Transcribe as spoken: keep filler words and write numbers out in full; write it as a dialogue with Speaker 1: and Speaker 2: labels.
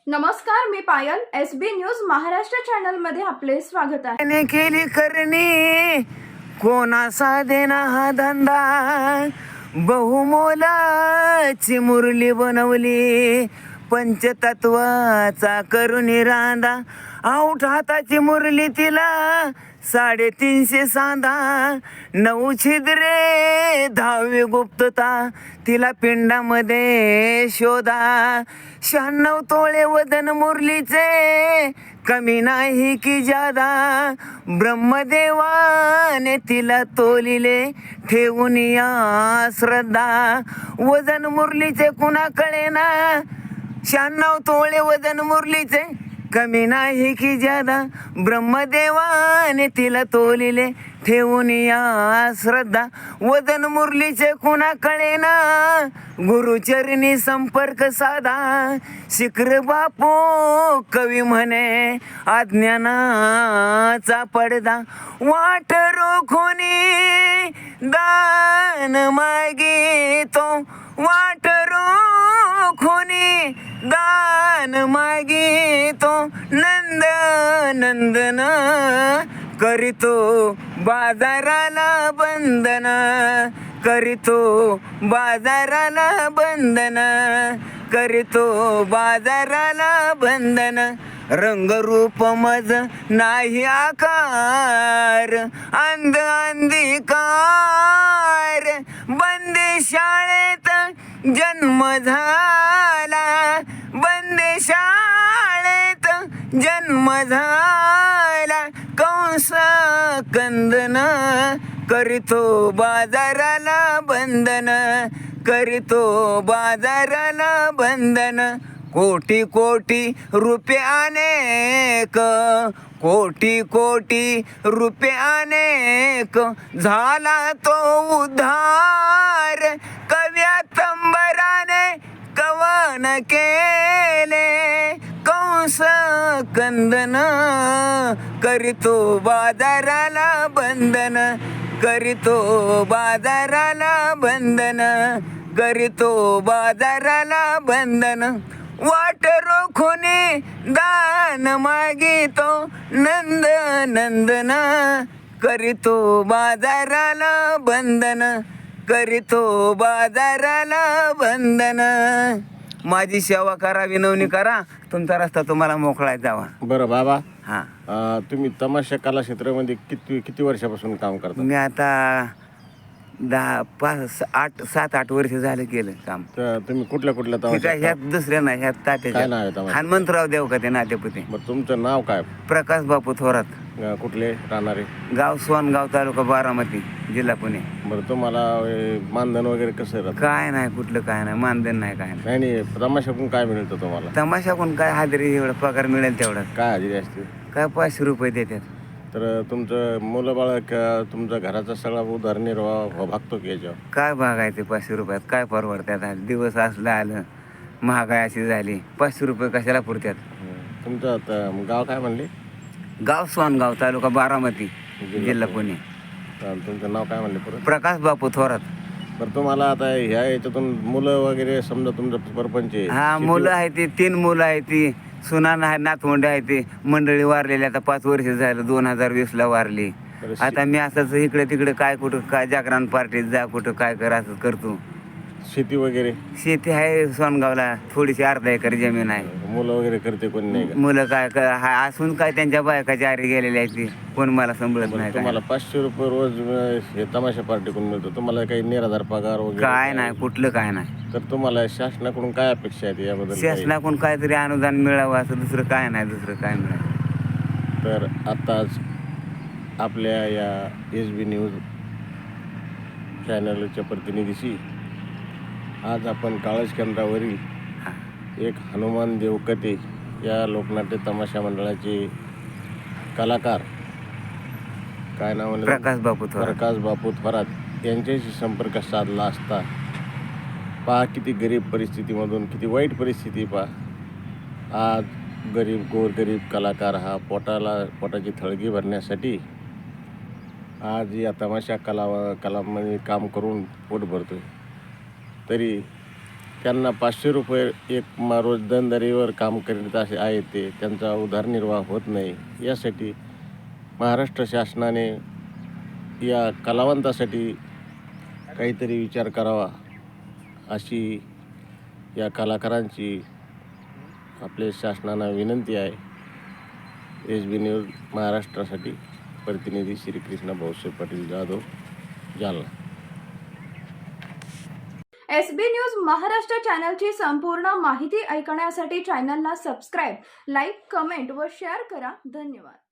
Speaker 1: नमस्कार, मी Payal. S B news Maharashtra channel मध्ये आपले स्वागत आहे.
Speaker 2: त्याने केली करणी कोणासा देना हा धंदा, बहुमोलाची मुरली बनवली पंचतत्वाचा करुणी रांदा. आऊट हाताची मुरली तिला साडेतीनशे सांदा, नऊ छिद्रे दहावी गुप्तता तिला पिंडामध्ये शोधा. शहाण्णव तोळे वजन मुरलीचे कमी नाही की जादा, ब्रह्मदेवाने तिला तोलिले ठेवून या श्रद्धा. वजन मुरलीचे कुणा कळेना, शहाण्णव तोळे वजन मुरलीचे कमी नाही की जादा, ब्रह्मदेवाने तिला तोलिले ठेवून या श्रद्धा. वजन मुरलीचे कुणा कळेना, गुरुचरणी संपर्क साधा. शिखर बापू कवी म्हणे अज्ञानाचा पडदा, वाट रोखोनी दान मागितो, वाट रोखोनी दान मागितो. नंद नंदन करीतो बाजाराला बंधन, करीतो बाजाराला बंधन, करीतो बाजाराला बंधन. रंगरूप मज नाही आकार, अंध अंधिकार. बंदी शाळेत जन्म झाला, बंदी शाळेत जन्म झाला. कंस कंदन करीतो बाजाराला बंधन, करीतो बाजाराला बंधन. कोटी कोटी रुपये अनेक, कोटी कोटी रुपये अनेक. झाला तो उद्धार, कव्या तंबराने कवन केले. कंस कंदन करीतो बाजाराला बंधन, करीतो बाजाराला बंधन, करीतो बाजाराला बंधन. वाट रोखोनी दान मागितो, नंद नंदन करीतो बाजाराला बंधन, करीतो बाजाराला बंधन. माझी सेवा करा, विनवणी करा, तुमचा रस्ता तुम्हाला मोकळा जावा.
Speaker 3: बरं बाबा,
Speaker 2: हां,
Speaker 3: अं, तुम्ही तमाशा कला क्षेत्रामध्ये किती किती वर्षापासून काम करता?
Speaker 2: मी आता दहा पाच आठ सात आठ वर्ष झालं केलं काम.
Speaker 3: तर तुम्ही कुठल्या कुठल्या
Speaker 2: ठीक आहे,
Speaker 3: तमाशा?
Speaker 2: ह्यात दुसऱ्या नाही, ह्यात
Speaker 3: काय नाव आहे
Speaker 2: तात्याच्या
Speaker 3: तमाशा?
Speaker 2: हनुमंतराव देव का ते नातेपुते.
Speaker 3: मग तुमचं नाव काय?
Speaker 2: प्रकाश बापू थोरात,
Speaker 3: अं, कुठले राहणारे?
Speaker 2: गाव सोनगाव, तालुका बारामती, जिल्हा पुणे.
Speaker 3: बरं, तुम्हाला अं, मानधन वगैरे कसं राहतं?
Speaker 2: काय नाही, कुठलं काय नाही, मानधन नाही, काय नाही.
Speaker 3: नाही नाही, तमाशाकडून काय मिळतं तुम्हाला?
Speaker 2: तमाशाकडून काय हाजरी एवढा पगार मिळेल तेवढा.
Speaker 3: काय हजेरी असते?
Speaker 2: काय पाचशे रुपये देतात.
Speaker 3: तर तुमचं मुलं बाळ का तुमचा घराचा सगळा उदरनिर्वाह भागतो की याच्यावर?
Speaker 2: काय बघायचे पाचशे रुपयात, काय परवडतात. आज दिवस असलं आलं, महागाई अशी झाली, पाचशे रुपये कशाला पुरतात.
Speaker 3: हं. तुमचं त- गाव काय म्हणले?
Speaker 2: गाव सोनगाव, तालुका बारामती, जिल्हा पुणे.
Speaker 3: तर तुमचं नाव काय म्हणले परत?
Speaker 2: प्रकाश बापू थोरात.
Speaker 3: बरं, तुम्हाला आता ह्या याच्यातून मुलं वगैरे समजा तुमचं परपंच आहे,
Speaker 2: हा,
Speaker 3: शेती-
Speaker 2: मुलं आहे ती, तीन मुलं आहे ती, सुनान आहे, नातवंड आहे ती. मंडळी वारलेली आता पाच वर्ष झालं, दोन हजार वीस ला वारली.
Speaker 3: बरं, शे-
Speaker 2: आता मी असंच इकडे तिकडे काय कुठं काय जागरण पार्टीत जा, कुठं काय कर, असं करतो.
Speaker 3: शेती वगैरे
Speaker 2: शेती आहे सोनगावला, थोडीशी अर्धा एकर जमीन आहे.
Speaker 3: मुलं वगैरे करते कोणी नाही का?
Speaker 2: मुलं काय क- हा असून काय त्यांच्या बायका जारी गेलेल्या आहेत, ती कोण मला सांभाळत
Speaker 3: बरं,
Speaker 2: नाही. काय
Speaker 3: तुम्हाला पाचशे रुपये रोज अं, हे तमाशा पार्टीकडून मिळतो, तुम्हाला काही निराधार पगार वगैरे
Speaker 2: काय नाही, कुठलं काय नाही.
Speaker 3: तर तुम्हाला शासनाकडून काय अपेक्षा आहेत याबद्दल काही?
Speaker 2: शासनाकडून काहीतरी अनुदान मिळावं, असं दुसरं काय नाही, दुसरं काय मिळावं.
Speaker 3: तर आत्ताच आपल्या या एस बी न्यूज चॅनलच्या प्रतिनिधीशी आज आपण काळज केंद्रावरील एक हनुमान देवकते या लोकनाट्य तमाशा मंडळाचे कलाकार, काय नाव आहे?
Speaker 2: प्रकाश बापू थोरात.
Speaker 3: प्रकाश बापू थोरात यांच्याशी संपर्क साधला असता पहा किती गरीब परिस्थितीमधून, किती वाईट परिस्थिती पहा. आज गरीब गोरगरीब कलाकार हा पोटाला पोटाची थळगी भरण्यासाठी आज या तमाशा कला कलामध्ये काम करून पोट भरतो. तरी त्यांना पाचशे रुपये एक मा रोज दंडरीवर काम करीत असे आहे ते त्यांचा उदरनिर्वाह होत नाही. यासाठी महाराष्ट्र शासनाने या कलावंतासाठी काहीतरी विचार करावा अशी या कलाकारांची आपल्या शासनाला विनंती आहे. एस बी न्यूज महाराष्ट्रासाठी प्रतिनिधी Shrikrishna Bhausaheb Patil Jadhav, Jalna.
Speaker 1: S B news Maharashtra चॅनलची संपूर्ण माहिती ऐकण्यासाठी चॅनलला सबस्क्राईब, लाईक, कमेंट व शेअर करा. धन्यवाद.